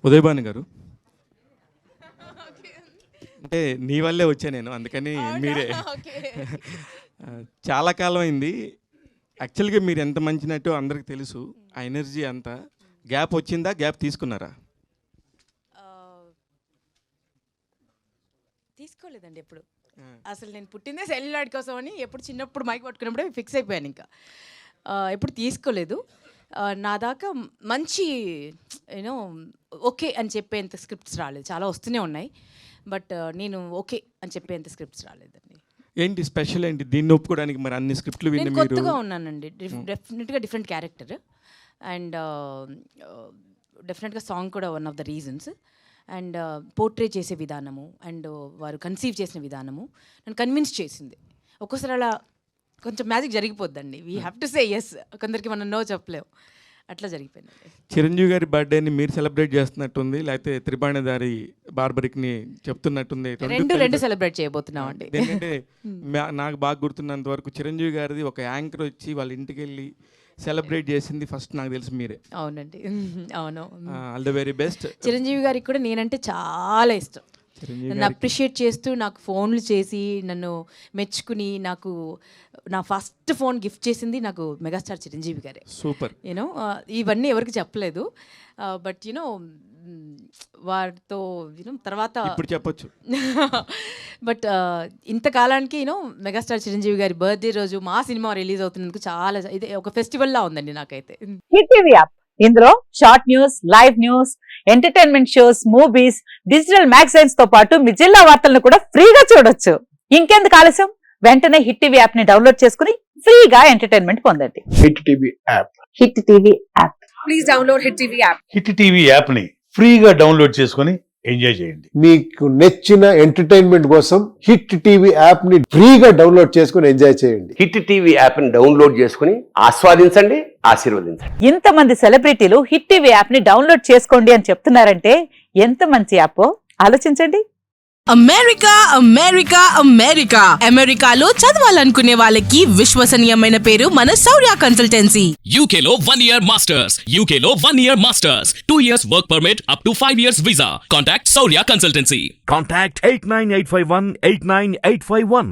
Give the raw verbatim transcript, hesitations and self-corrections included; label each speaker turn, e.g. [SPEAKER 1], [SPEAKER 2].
[SPEAKER 1] ఉదయభాను గారు, అంటే నీ వల్లే వచ్చా నేను, అందుకని మీరే. చాలా కాలం అయింది. యాక్చువల్గా మీరు ఎంత మంచి నటో అందరికి తెలుసు. ఆ ఎనర్జీ అంతా గ్యాప్ వచ్చిందా, గ్యాప్ తీసుకున్నారా?
[SPEAKER 2] తీసుకోలేదండి ఎప్పుడు. అసలు నేను పుట్టిందే సెల్యులాయిడ్ కోసం అని ఎప్పుడు చిన్నప్పుడు మైక్ పట్టుకున్నప్పుడే ఫిక్స్ అయిపోయాను. ఇంకా ఎప్పుడు తీసుకోలేదు. నా దాకా మంచి యూనో ఓకే అని చెప్పేంత స్క్రిప్ట్స్ రాలేదు. చాలా వస్తూనే ఉన్నాయి, బట్ నేను ఓకే అని చెప్పేంత స్క్రిప్ట్స్ రాలేదండి.
[SPEAKER 1] ఏంటి స్పెషల్ ఏంటి దీన్ని ఒప్పుకోవడానికి? మరి అన్ని స్క్రిప్ట్లు విని
[SPEAKER 2] నేను కొత్తగా ఉన్నానండి, డెఫినెట్గా డిఫరెంట్ క్యారెక్టర్, అండ్ డెఫినెట్గా సాంగ్ కూడా one of the reasons. And portray చేసే విధానము అండ్ వారు కన్సీవ్ చేసిన విధానము నన్ను కన్విన్స్ చేసింది. ఒక్కోసారి అలా కొంచెం మ్యాజిక్ జరిగిపోద్దండి. We have to say yes, కొందరికి మనం నో చెప్పలేము, అట్లా జరిగిపోయింది.
[SPEAKER 1] చిరంజీవి గారి బర్త్డేని మీరు సెలబ్రేట్ చేస్తున్నట్టుంది, లేకపోతే త్రిబాణిదారి బార్బరిక్ని చెప్తున్నట్టుంది?
[SPEAKER 2] రెండు రెండు సెలబ్రేట్ చేయబోతున్నాం అండి.
[SPEAKER 1] ఎందుకంటే నాకు బాగా గుర్తున్నంత వరకు చిరంజీవి గారిది ఒక యాంకర్ వచ్చి వాళ్ళ ఇంటికి వెళ్ళి సెలబ్రేట్ చేసింది ఫస్ట్ నాకు తెలిసి మీరే.
[SPEAKER 2] అవునండి, అవును.
[SPEAKER 1] All the very best.
[SPEAKER 2] Chiranjeevi గారికి కూడా నేనంటే చాలా ఇష్టం. నన్ను అప్రిషియేట్ చేస్తూ నాకు ఫోన్లు చేసి నన్ను మెచ్చుకుని నాకు నా ఫస్ట్ ఫోన్ గిఫ్ట్ చేసింది నాకు మెగాస్టార్ చిరంజీవి గారే.
[SPEAKER 1] సూపర్.
[SPEAKER 2] యూనో ఇవన్నీ ఎవరికి చెప్పలేదు, బట్ యూనో వారితో యూనో తర్వాత
[SPEAKER 1] ఇప్పుడు చెప్పొచ్చు.
[SPEAKER 2] బట్ ఇంతకాలానికి యూనో మెగాస్టార్ చిరంజీవి గారి బర్త్డే రోజు మా సినిమా రిలీజ్ అవుతున్నందుకు చాలా ఇది ఒక ఫెస్టివల్ లా ఉందండి నాకైతే.
[SPEAKER 3] హిట్ టీవీ యాప్, ఇందులో short news, live news, entertainment shows, movies, digital magazines తో పాటు మీ జిల్లా వార్తలను కూడా ఫ్రీగా చూడొచ్చు. ఇంకెందుకు ఆలస్యం, వెంటనే హిట్ టీవీ యాప్ ని డౌన్లోడ్ చేసుకుని ఫ్రీగా ఎంటర్టైన్మెంట్ పొందండి.
[SPEAKER 4] Hit TV app.
[SPEAKER 3] Hit TV app. Please download hit TV app.
[SPEAKER 4] Hit TV app ని ఫ్రీగా డౌన్లోడ్ చేసుకుని ఎంజాయ్ చేయండి.
[SPEAKER 5] మీకు నచ్చిన ఎంటర్టైన్మెంట్ కోసం హిట్ టీవీ యాప్ ని ఫ్రీగా డౌన్లోడ్ చేసుకుని ఎంజాయ్ చేయండి.
[SPEAKER 6] హిట్ టీవీ యాప్ ని డౌన్లోడ్ చేసుకుని ఆస్వాదించండి, ఆశీర్వదించండి.
[SPEAKER 3] ఇంతమంది సెలబ్రిటీలు హిట్ టీవీ యాప్ ని డౌన్లోడ్ చేసుకోండి అని చెప్తున్నారంటే ఎంత మంచి యాప్ ఆలోచించండి.
[SPEAKER 7] అమెరికా అమెరికా అమెరికా అమెరికాలో చదవాలనుకునే వాళ్ళకి విశ్వసనీయమైన పేరు మన శౌర్య కన్సల్టెన్సీ.
[SPEAKER 8] యూకేలో వన్ ఇయర్ మాస్టర్స్, యూకేలో one year masters, two years work permit, up to five years visa. Contact Shaurya consultancy.
[SPEAKER 9] Contact eight nine eight five one eight nine eight five one.